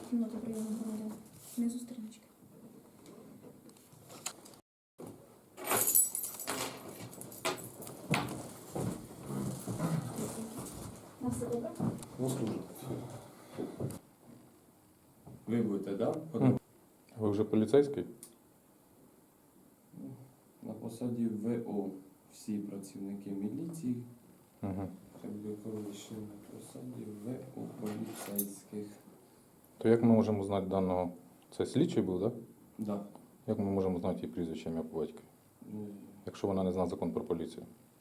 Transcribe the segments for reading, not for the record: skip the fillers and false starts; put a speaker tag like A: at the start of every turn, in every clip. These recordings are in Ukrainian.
A: Кімната прийому громадян. Внизу сторіночки. На все добре?
B: Ну, служить. Ви будете, так?
C: Ви вже поліцейський?
B: На посаді ВО. Всі працівники міліції,
C: Угу.
B: якби колишні на посаді ВО поліцейських.
C: То як ми можемо знати даного? Це слідчий був, так?
B: Да.
C: Як ми можемо знати її прізвище, ім'я по батькові, якщо вона не знає закон про поліцію?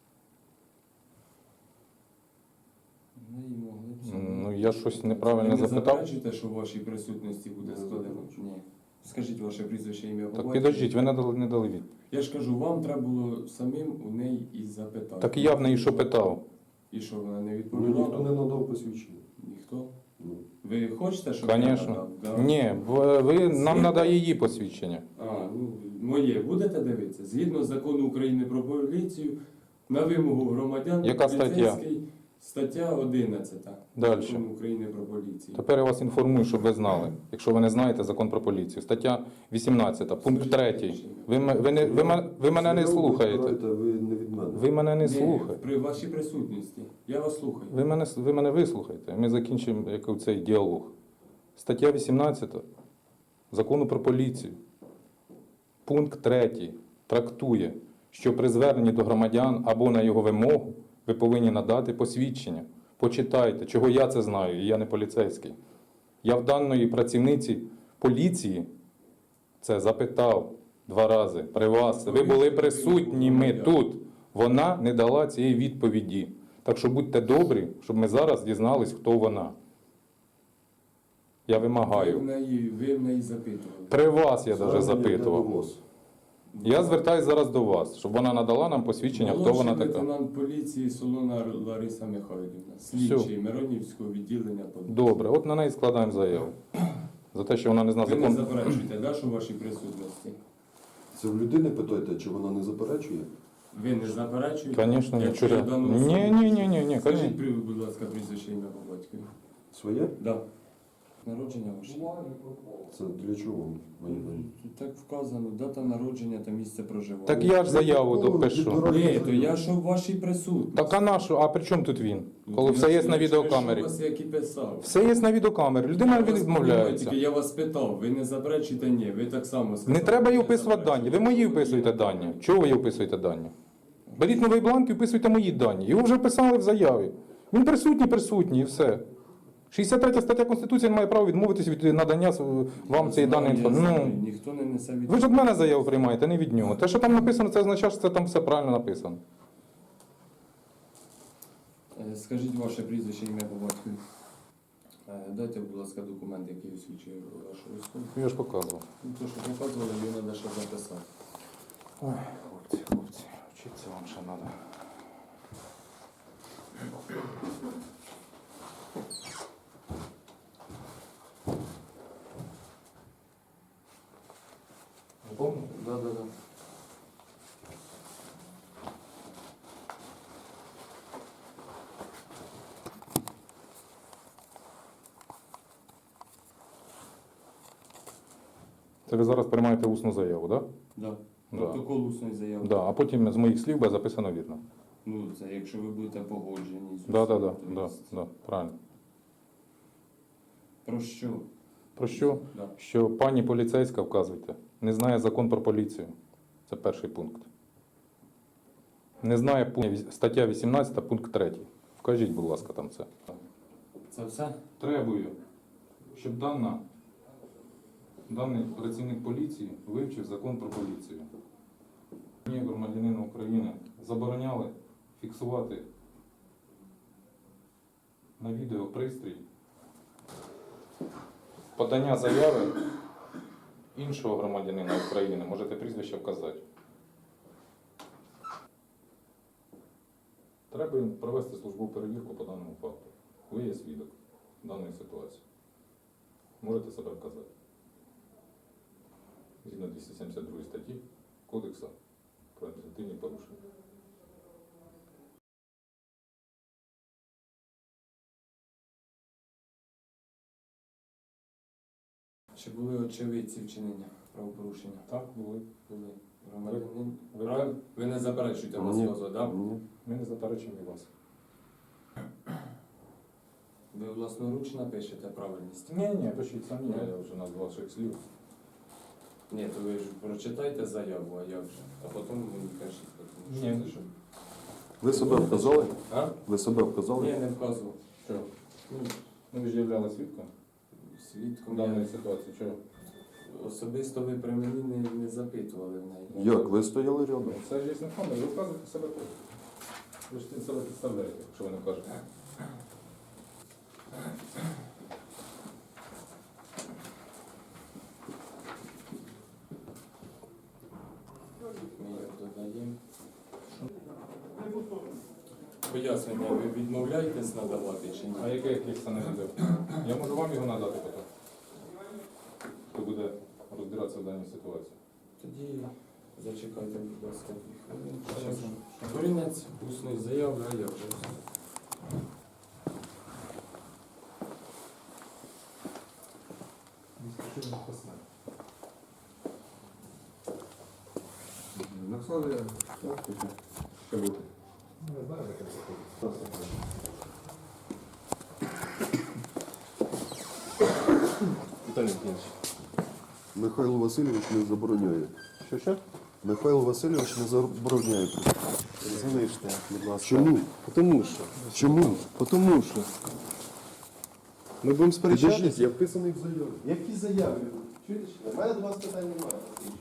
B: Ми її могли б
C: Ну, я щось неправильно
B: Ви
C: запитав.
B: не заперечуєте, що в вашій присутності буде складено? Ні. Скажіть ваше прізвище, ім'я по
C: Так
B: батькові.
C: підождіть, ви не дали відповідь.
B: Я ж кажу, вам треба було самим у неї і запитати.
C: Так і я в неї що питав?
B: І що, вона не
D: Ну,
B: відповіла?
D: ніхто не надав посвідчення.
B: Ніхто?
D: Ну,
B: Ви хочете, щоб я
C: Звісно.
B: надав? Да?
C: Ні, ви нам
B: Згідно-
C: надає її посвідчення.
B: А, ну, моє будете дивитися? Згідно закону України про поліцію, на вимогу громадян,
C: Яка стаття?
B: поліцейський, стаття 11
C: Дальше.
B: Закону України про поліцію.
C: Тепер я вас інформую, щоб ви знали. Якщо ви не знаєте закон про поліцію. Стаття 18, пункт 3. Ви мене не слухаєте.
D: Ви не від мене.
C: Ви мене не
B: Ні,
C: слухаєте.
B: при вашій присутності. Я вас слухаю.
C: Ви мене вислухайте. Ми закінчимо цей діалог. Стаття 18 закону про поліцію. Пункт 3 трактує, що при зверненні до громадян або на його вимогу ви повинні надати посвідчення. Почитайте, чого я це знаю, і я не поліцейський. Я в даної працівниці поліції це запитав 2 рази при вас. Ви були присутніми тут. Вона не дала цієї відповіді. Так що будьте добрі, щоб ми зараз дізнались, хто вона. Я вимагаю.
B: Ви в неї запитували.
C: При вас я навіть
D: Звернення
C: запитував.
D: йде до ВОЗ.
C: Я звертаюсь зараз до вас, щоб вона надала нам посвідчення, хто вона
B: Молодший
C: така.
B: лейтенант поліції Солона Лариса Михайлівна, слідчий Миронівського відділення поліції.
C: Добре, от на неї складаємо заяву. За те, що вона не знає
B: Ви не
C: закон.
B: заперечуєте, да, що в вашій присутності?
D: Це в людини питайте, чи вона не заперечує?
B: Ви не заперечуєте?
C: Звісно, ні.
B: Якщо я дану особу-
C: Ні,
B: Скажіть, будь ласка, прізвище ім'я по батькові.
D: Своє?
B: Да. Народження ваше?
D: Це для чого?
B: Так вказано, дата народження та місце проживання.
C: Так я ж заяву допишу.
B: Ні, то я що в вашій присутності.
C: Так а на що? А при чому тут він? Коли
B: Я
C: все є
B: ж-
C: на
B: я ж
C: відеокамері.
B: вас як і писав.
C: Все є на відеокамері. Людина
B: Я вас
C: відмовляється.
B: тільки я вас питав, ви не заперечуєте? Ні, ви так само сказали.
C: Не треба їй
B: ви
C: вписувати дані. Ви мої вписуєте дані. Чого ви їй вписуєте дані? Беріть новий бланк і вписуйте мої дані. Його вже вписали в заяві. Він присутній і все. 63 стаття Конституції не має права відмовитись від надання вам цієї даної інформації. Ну,
B: Ніхто не несе від...
C: ви ж від мене заяву приймаєте, не від нього. Те, що там написано, це означає, що це там все правильно написано.
B: Скажіть ваше прізвище, ім'я по батькові. Дайте, будь ласка, документ, який освідчує вашу військову.
C: Я ж показував.
B: Ну, то, що показували, його треба ще записати.
C: Ой, хлопці, вчитися вам ще треба. Помните?
B: Да.
C: Це ви зараз приймаєте усну заяву, так?
B: Да.
C: Да.
B: Протокол усної заяви.
C: Да, а потім з моїх слів буде записано вірно.
B: Ну, це якщо ви будете погоджені з
C: Да,
B: усім, то
C: правильно.
B: Про що?
C: Про що?
B: Да.
C: Що пані поліцейська, вказуйте, не знає закон про поліцію. Це перший пункт. Не знає стаття 18, пункт 3. Вкажіть, будь ласка, там це.
B: Це все?
C: Требую, щоб даний працівник поліції вивчив закон про поліцію. Мені, громадянину України, забороняли фіксувати на відеопристрій подання заяви іншого громадянина України. Можете прізвище вказати. Треба їм провести службову перевірку по даному факту. Ви є свідок даної ситуації. Можете себе вказати. Згідно 272 статті Кодексу про адміністративні порушення.
B: Чи були очевидці вчинення правопорушення?
C: Так, були.
B: Були. Громадянин.
C: Ви-
B: Правильно? Ви не заперечуєте
D: Ні.
B: розказу, так?
D: Ні.
C: Ми не заперечуємо вас.
B: Ви власноруч напишете правильність?
C: Ні, пишіть самі, я вже назвав ваших слів.
B: Ні, то ви ж прочитайте заяву, а як же? А потім мені кажіть. тому що
C: Ні,
B: це що?
D: Ви себе вказали?
B: А?
D: Ви себе вказали?
B: Ні, не вказував.
C: Що?
B: Ну,
C: Ну, ви ж являли свідком
B: свідком
C: даної
B: я
C: ситуації. Чого?
B: особисто ви при мені не запитували в неї.
D: Як? Ви стояли рядом?
C: Це ж є факт, ви вказуєте себе тут. Ви ж себе підставляєте, якщо ви не кажете.
B: Ми їх додаємо. Пояснення ви відмовляєтесь надавати чи
C: А
B: ні?
C: яких це не відео? Я можу вам його надати потім. Хто буде розбиратися в даній ситуації.
B: Тоді зачекайте, будь ласка, 2 хвилини. Корінець усної заяви, а я вже.
D: Накладає. Що буде?
C: Не знаю, яке це.
D: Віталій Євгенович. Михайло Васильович не забороняє.
E: Що?
D: Михайло Васильович не забороняє.
E: Залиште, будь ласка.
D: Чому?
E: Тому що.
D: Чому?
E: Тому що. Ми будемо
D: Підождіть,
E: сперечатися.
D: я вписаний в заяві.
E: Які заяви? Чуєте, що? У мене до вас питань немає.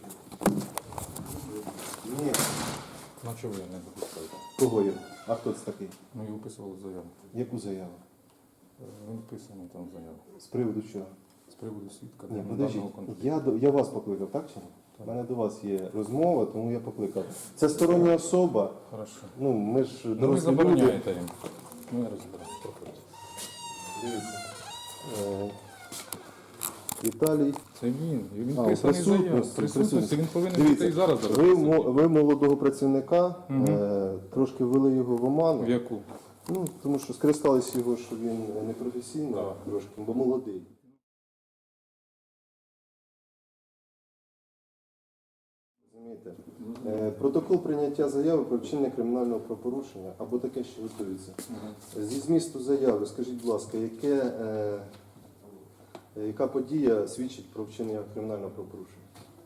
E: Ні.
C: Ну чого ви не допускаєте?
E: Кого є? А хто це такий?
C: Ми його вписували в заяву.
E: Яку заяву?
C: Він вписаний там в заяву.
E: З приводу чого?
C: З приводу свідка
E: Ні,
C: даного
E: подождіть.
C: конфлікту.
E: Я вас покликав, так чи ні?
C: Так.
E: У мене до вас є розмова, тому я покликав. Це стороння особа.
C: Хорошо.
E: Ну, ми ж
C: Ну ви
E: дорослі люди.
C: забороняєте їм. Ми розберемо. Проходьте.
E: Дивіться. Віталій.
C: Це він
E: А,
C: вписаний в заяву.
E: присутності,
C: Присутності. Він повинен
E: Дивіться,
C: бути і зараз.
E: Ви молодого працівника,
C: Мгм.
E: трошки ввели його в оману.
C: В яку?
E: Ну, тому що скористалися його, що він непрофесійно
C: Так.
E: трошки, бо молодий. Розумієте? Протокол прийняття заяви про вчинення кримінального правопорушення або таке, що готується. Зі змісту заяви, скажіть, будь ласка, яка подія свідчить про вчинення кримінального правопорушення?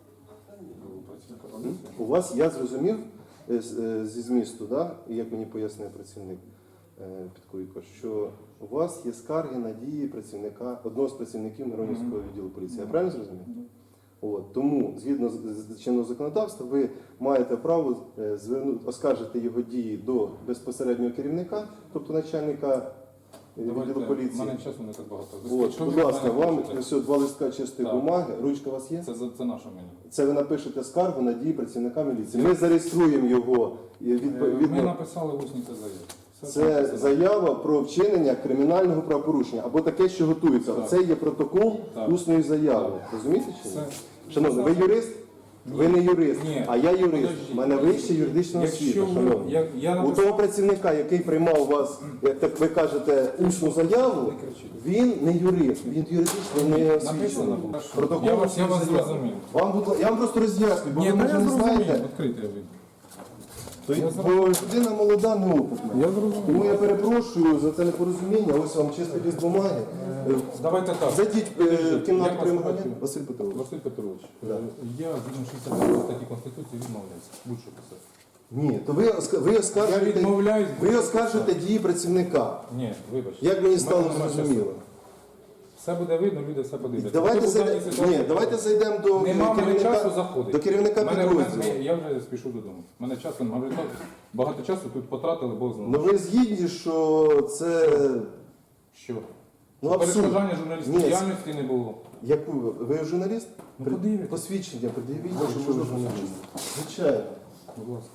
E: У вас, я зрозумів зі змісту, да, і як мені пояснив працівник Підкуйко, що у вас є скарги на дії працівника, одного з працівників Миронівського відділу поліції. Я правильно зрозумів? От, тому, згідно з чинного законодавства, ви маєте право оскаржити його дії до безпосереднього керівника, тобто начальника відділу
C: У
E: поліції.
C: мене часу не так багато.
E: От,
C: Що
E: будь
C: ви
E: ласка,
C: від мене
E: вам
C: хочете?
E: ось 2 листка чистої
C: Так.
E: бумаги, ручка у вас є?
C: Це наше мені.
E: Це ви напишете скаргу на дії працівника міліції. Ми зареєструємо його
C: Ми
E: відповідно.
C: написали усні це заяву.
E: Це заява про вчинення кримінального правопорушення або таке, що готується.
C: Так.
E: Це є протокол
C: Так.
E: усної заяви. Розумієте чи ні?
C: Це-
E: Шановний, ви юрист? Ви не юрист,
C: Ні.
E: а я юрист.
C: Подождіть.
E: У мене вища юридична
C: Якщо
E: освіта,
C: ви-
E: шановний.
C: я
E: У
C: написав-
E: того працівника, який приймав у вас, як так ви кажете, усну заяву,
C: Не кричіть.
E: він не юрист, він юридично не
C: Написано
E: освічений.
C: було.
E: Протокол
C: Я вас
E: усної заяви.
C: зрозумів.
E: Я вам просто роз'ясню, бо
C: Ні,
E: ви
C: та
E: може
C: я
E: не
C: зрозумів.
E: знаєте.
C: Відкрите ви.
E: Бо людина молода, неопитна.
C: Я зрозумів.
E: Тому я перепрошую за це непорозуміння. Ось вам чистий лист бумаги.
C: Давайте так.
E: Зайдіть в кімнату
C: Як
E: приймання.
C: вас звати?
E: Василь Петрович.
C: Василь Петрович,
E: Да.
C: я згідно 69 статті Конституції відмовляюся. Будь-що писати.
E: Ні, то ви
C: Я
E: оскаржуєте,
C: відмовляюсь.
E: ви оскаржуєте дії працівника.
C: Ні, вибачте.
E: Як мені стало
C: Мене нема
E: зрозуміло.
C: часу. Все буде видно, люди все подивляться.
E: Давайте
C: Хто був в даній
E: зайдемо.
C: ситуації?
E: Ні, давайте зайдемо до
C: Нема мене часу
E: керівника.
C: заходити.
E: До керівника підрозділу.
C: Я вже спішу додому. Мене часу немає. Багато часу тут потратили, Бог знає.
E: Ну ви згідні, що це
C: Що?
E: ну, абсурд.
C: Перешкоджання журналістської
E: Ні.
C: діяльності не було.
E: Яку ви журналіст?
C: Ну, подивіться.
E: Посвідчення, подивіться,
D: Ваше
E: що ви
D: можна
E: журналіст. Звичайно.
C: Будь ласка.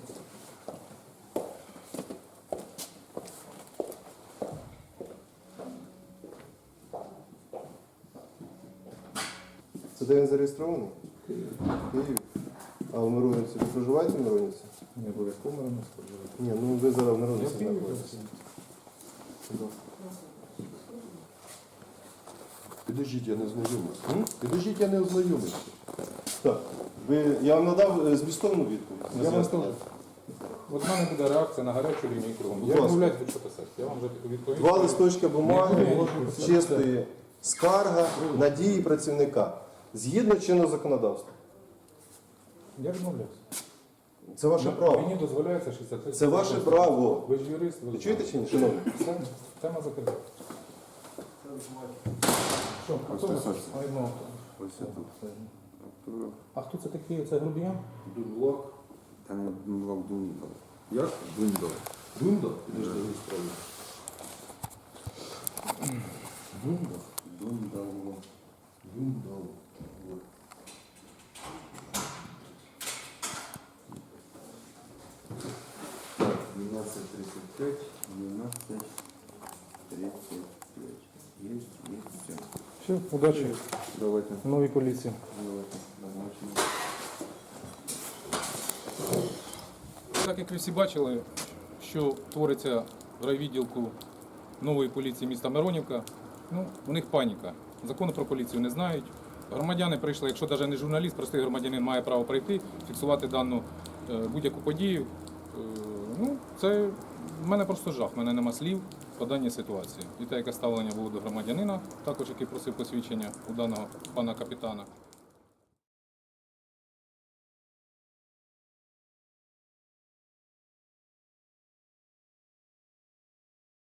E: Це де він зареєстрований? Київ. А в Миронівці ви проживаєте в Миронівці?
C: Не обов'язково мене споживати.
E: Ні, ну ви зараз в
C: Я
E: Миронівці
C: в Києві.
E: знаходитесь. Будь ласка.
D: Підождіть, я не ознайомився.
E: М?
D: Підождіть, я не ознайомився.
E: Так. Я вам надав змістовну відповідь.
C: Я вам теж. От в мене буде реакція на гарячу лінію кругом.
E: Будь
C: Я
E: ласка.
C: відмовляюсь будь-що писати. Я вам вже відповім.
E: 2 листочка бумаги,
C: Не можу писати.
E: чистої скарга на дії працівника. Згідно чинного законодавства.
C: Я відмовляюсь.
E: Це ваше право.
C: Мені дозволяється 63.
E: Це ваше право.
C: Ви ж юрист, ви
E: Ви
C: ж
E: чуєте чи ні, шановні?
C: Все, тема закрита. Що, а хто у нас? А, ну,
D: Ось це тут.
C: а хто це такий? Це грубіян?
D: Дунлок. Та не Дунлок, Дундал. Як? Дундал. Дундал? Підожди, не справді. Дундал? Дундал. Дундал. Вот. Так, 12:35, 12:35. Есть, все.
C: Все, удачі.
D: Давайте,
C: Новій поліції.
D: давайте, назначимо.
C: Так як ви всі бачили, що твориться в райвідділку нової поліції міста Миронівка, ну, у них паніка. Закону про поліцію не знають. Громадяни прийшли, якщо навіть не журналіст, простий громадянин має право прийти, фіксувати дану будь-яку подію. Ну, це в мене просто жах, в мене нема слів по даній ситуації. І те, яке ставлення було до громадянина, також який просив посвідчення у даного пана капітана.